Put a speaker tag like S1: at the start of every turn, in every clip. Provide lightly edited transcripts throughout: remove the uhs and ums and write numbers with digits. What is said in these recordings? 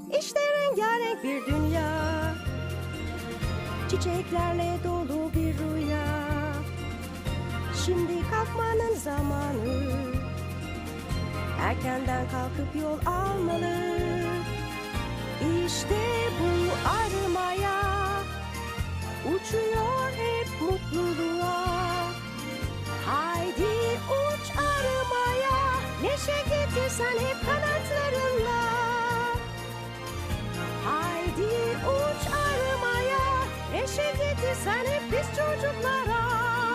S1: İşte rengarenk bir dünya, çiçeklerle dolu bir rüya. Şimdi kalkmanın zamanı, erkenden kalkıp yol almalı. İşte bu arımaya, uçuyor hep mutluluğa. Haydi uç arımaya, neşe getirsen hep kanatlarınla. Haydi uç arımaya, neşe getirsen hep biz çocuklara.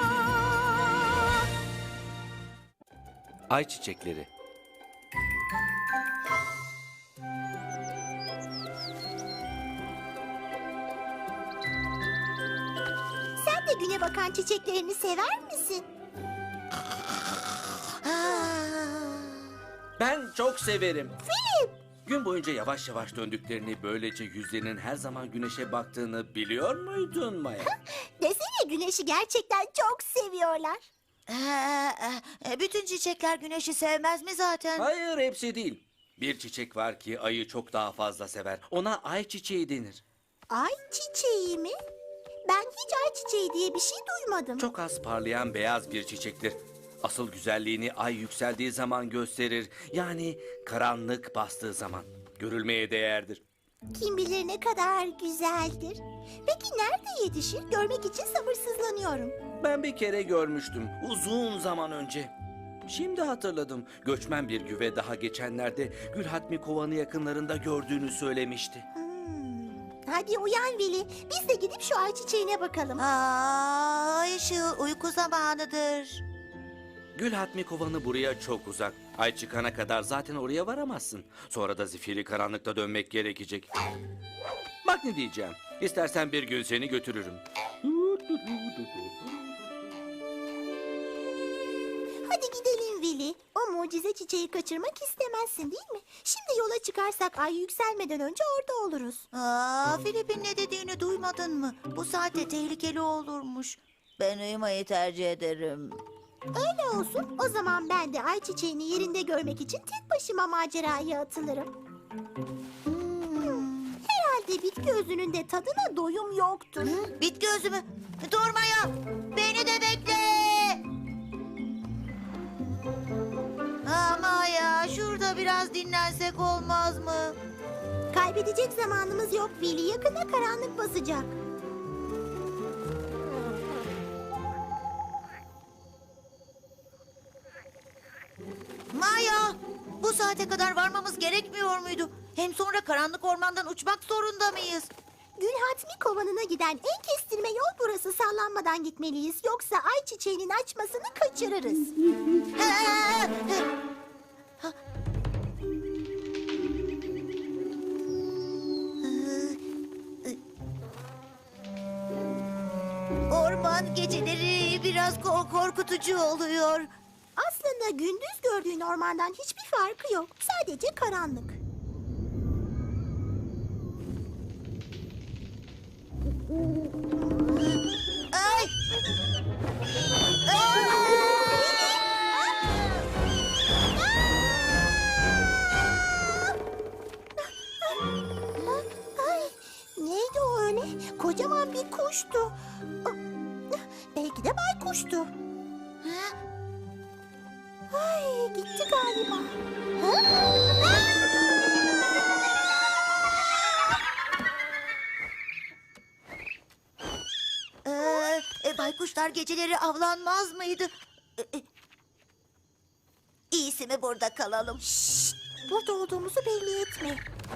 S2: Ay çiçekleri.
S3: Sen de güne bakan çiçeklerini sever misin?
S2: Ben çok severim.
S3: Filip!
S2: Gün boyunca yavaş yavaş döndüklerini, böylece yüzlerinin her zaman güneşe baktığını biliyor muydun Maya?
S3: Desene güneşi gerçekten çok seviyorlar.
S4: Bütün çiçekler güneşi sevmez mi zaten?
S2: Hayır, hepsi değil. Bir çiçek var ki ayı çok daha fazla sever. Ona ay çiçeği denir.
S3: Ay çiçeği mi? Ben hiç ay çiçeği diye bir şey duymadım.
S2: Çok az parlayan beyaz bir çiçektir. Asıl güzelliğini ay yükseldiği zaman gösterir. Yani karanlık bastığı zaman. Görülmeye değerdir.
S3: Kim bilir ne kadar güzeldir. Peki nerede yetişir? Görmek için sabırsızlanıyorum.
S2: Ben bir kere görmüştüm. Uzun zaman önce. Şimdi hatırladım. Göçmen bir güve daha geçenlerde Gülhatmi Kovanı yakınlarında gördüğünü söylemişti.
S3: Hadi uyan Veli. Biz de gidip şu ay çiçeğine bakalım.
S4: Ay ışığı uyku zamanıdır.
S2: Gülhatmi Kovanı buraya çok uzak. Ay çıkana kadar zaten oraya varamazsın. Sonra da zifiri karanlıkta dönmek gerekecek. Bak ne diyeceğim. İstersen bir gün seni götürürüm.
S3: Hadi gidelim Veli. O mucize çiçeği kaçırmak istemezsin değil mi? Şimdi yola çıkarsak ay yükselmeden önce orada oluruz.
S4: Filip'in ne dediğini duymadın mı? Bu saatte tehlikeli olurmuş. Ben uyumayı tercih ederim.
S3: Öyle olsun. O zaman ben de ay çiçeğini yerinde görmek için tek başıma maceraya atılırım. Herhalde bitki özünün de tadına doyum yoktur.
S4: Bitki özü mü? Durma ya! Beni de bekle! Ama ya şurada biraz dinlensek olmaz mı?
S3: Kaybedecek zamanımız yok Veli. Yakında karanlık basacak.
S4: Maya! Bu saate kadar varmamız gerekmiyor muydu? Hem sonra karanlık ormandan uçmak zorunda mıyız?
S3: Gülhatmi kovanına giden en kestirme yol burası. Sallanmadan gitmeliyiz. Yoksa ay çiçeğinin açmasını kaçırırız.
S4: Orman geceleri biraz korkutucu oluyor.
S3: Aslında gündüz gördüğün ormandan hiçbir farkı yok. Sadece karanlık.
S4: Ay!
S3: Ay, neydi o öyle? Kocaman bir kuştu. Belki de baykuştu. Ay, gitti galiba.
S4: Baykuşlar geceleri avlanmaz mıydı? İyisi mi burada kalalım?
S3: Şşt, burada olduğumuzu belli etme.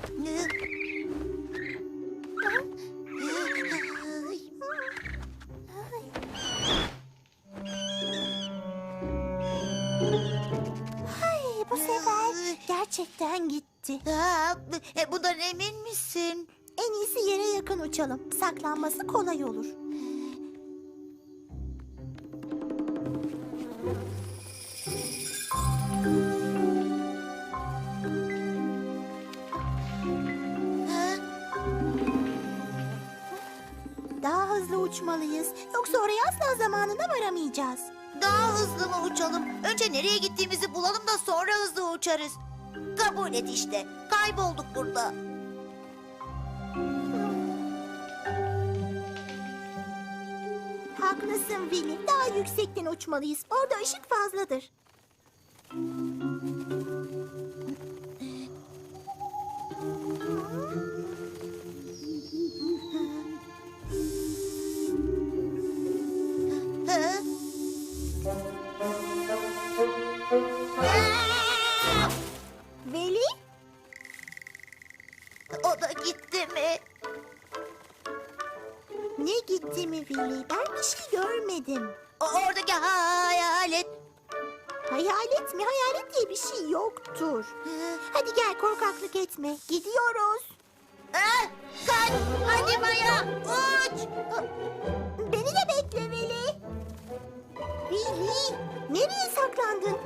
S3: Ay, bu sefer gerçekten gitti.
S4: Bundan emin misin?
S3: En iyisi yere yakın uçalım. Saklanması kolay olur. Daha hızlı uçmalıyız. Yoksa oraya asla zamanında varamayacağız.
S4: Daha hızlı mı uçalım? Önce nereye gittiğimizi bulalım da sonra hızlı uçarız. Kabul et işte. Kaybolduk burada.
S3: Haklısın Willy. Daha yüksekten uçmalıyız. Orada ışık fazladır.
S4: Hı?
S3: Willy?
S4: O da gitti mi?
S3: Ne gitti mi Willy? Ben bir şey görmedim.
S4: Oradaki hayalet.
S3: Hayalet mi? Hayalet diye bir şey yoktur. Hadi gel, korkaklık etme. Gidiyoruz.
S4: Ah, kaç! Hadi Maya, uç!
S3: Beni de bekle Willy. Willy, nereye saklandın?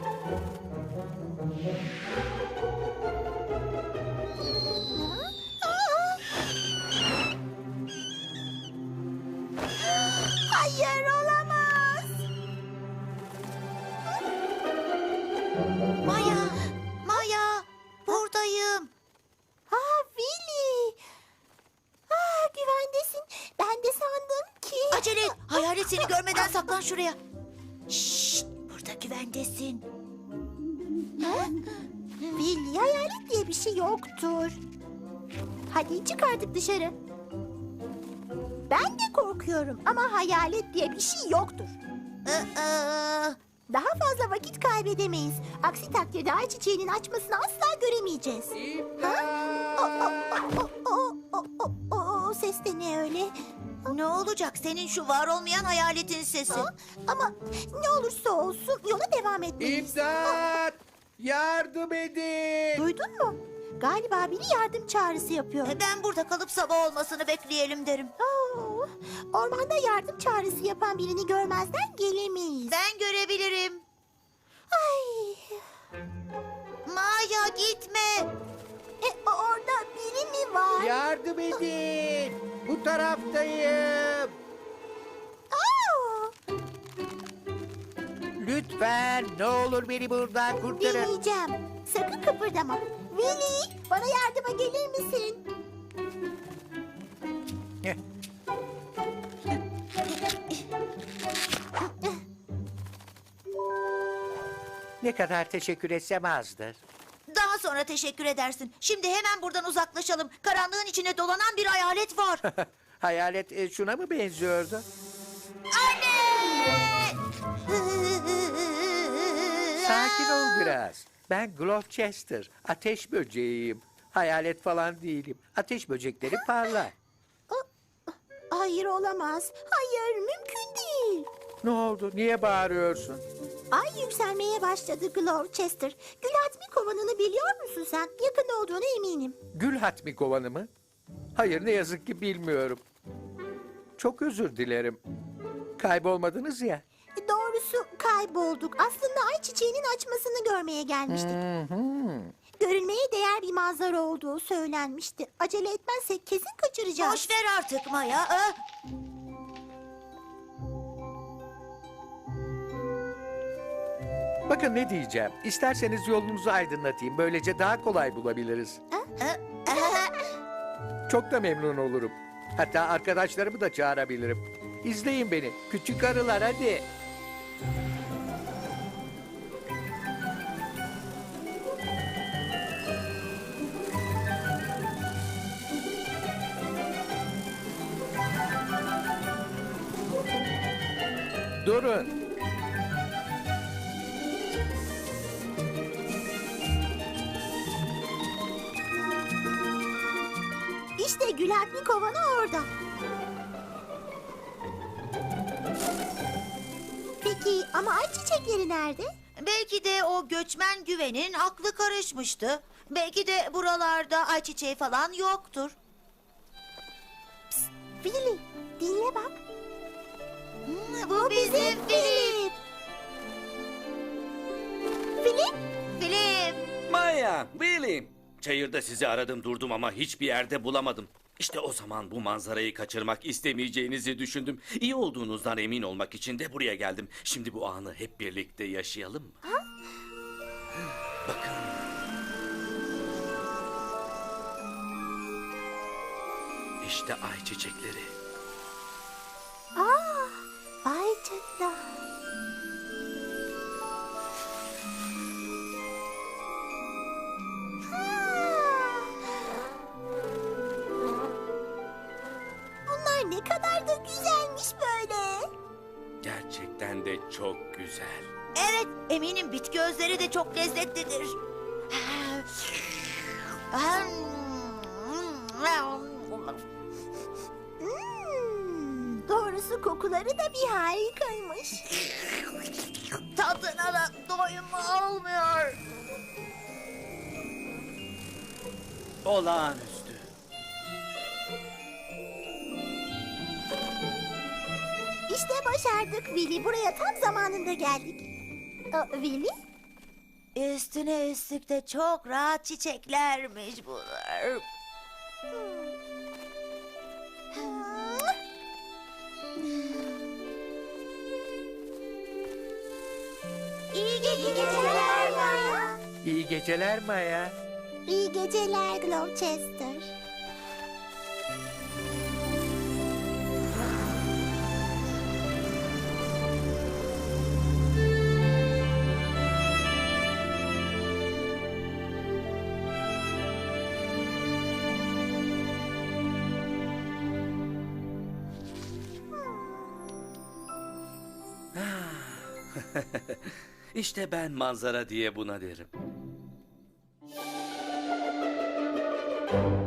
S3: Hayır, olamaz.
S4: Maya, Maya, buradayım.
S3: Willy. Güvendesin. Ben de sandım ki...
S4: Acele et, hayalet seni görmeden saklan şuraya. Şşt, burada güvendesin.
S3: Willy, hayalet diye bir şey yoktur. Hadi çık artık dışarı. Ben de korkuyorum ama hayalet diye bir şey yoktur.
S4: Aa,
S3: Daha fazla vakit kaybedemeyiz. Aksi takdirde ay çiçeğinin açmasını asla göremeyeceğiz. O ses de ne öyle?
S4: ne olacak senin şu var olmayan hayaletin sesi?
S3: Ama ne olursa olsun yola devam etmeliyiz.
S5: İmdat! Yardım edin!
S3: Duydun mu? Galiba biri yardım çağrısı yapıyor.
S4: Ben burada kalıp sabah olmasını bekleyelim derim.
S3: Ormanda yardım çağrısı yapan birini görmezden gelemeyiz.
S4: Ben görebilirim.
S3: Ay,
S4: Maya gitme.
S3: orada biri mi var?
S5: Yardım edin! Bu taraftayım!
S3: Aa,
S5: Lütfen ne olur beni buradan kurtarın.
S3: dinleyeceğim. Sakın kıpırdama. Willy, bana yardıma gelir misin?
S5: Heh. Ne kadar teşekkür etsem azdır.
S4: Daha sonra teşekkür edersin. Şimdi hemen buradan uzaklaşalım. Karanlığın içine dolanan bir hayalet var.
S5: Hayalet şuna mı benziyordu? Sakin ol biraz. Ben Gloucester, ateş böceğiyim. Hayalet falan değilim. Ateş böcekleri parlar.
S3: Hayır, olamaz. Hayır, mümkün değil.
S5: Ne oldu? Niye bağırıyorsun?
S3: Ay yükselmeye başladı Gloucester. Gülhatmi kovanını biliyor musun sen? Yakında olduğuna eminim.
S5: Gül hatmi kovanı mı? Hayır, ne yazık ki bilmiyorum. Çok özür dilerim. Kaybolmadınız ya.
S3: Doğrusu kaybolduk. Aslında ay çiçeğinin açmasını görmeye gelmiştik. Görülmeye değer bir manzara olduğu söylenmişti. Acele etmezsek kesin kaçıracağız.
S4: Boş ver artık Maya. Ah!
S5: Bakın ne diyeceğim. İsterseniz yolunuzu aydınlatayım. Böylece daha kolay bulabiliriz. Çok da memnun olurum. Hatta arkadaşlarımı da çağırabilirim. İzleyin beni. Küçük arılar hadi. Durun.
S3: İşte Gülhatmi kovanı orada. Peki ama ay çiçekleri nerede?
S4: Belki de o göçmen güvenin aklı karışmıştı. Belki de buralarda ayçiçeği falan yoktur.
S3: Willy, dinle bak.
S4: Bu bizim Filip.
S3: Filip,
S4: Filip.
S2: Maya, Willy. Çayırda sizi aradım durdum ama hiçbir yerde bulamadım. İşte o zaman bu manzarayı kaçırmak istemeyeceğinizi düşündüm. İyi olduğunuzdan emin olmak için de buraya geldim. Şimdi bu anı hep birlikte yaşayalım mı? Bakın. İşte ay çiçekleri.
S3: ay
S2: gerçekten de çok güzel.
S4: Evet, eminim bitki özleri de çok lezzetlidir.
S3: Doğrusu kokuları da bir harikaymış.
S4: Tadına da doyum olmuyor.
S2: Olağanüstü.
S3: İşte başardık Willy. Buraya tam zamanında geldik. Willy?
S4: Üstüne üstlük de çok rahat çiçeklermiş bunlar.
S3: İyi geceler Maya.
S5: İyi geceler Maya.
S3: İyi geceler Gloucester.
S2: İşte ben manzara diye buna derim.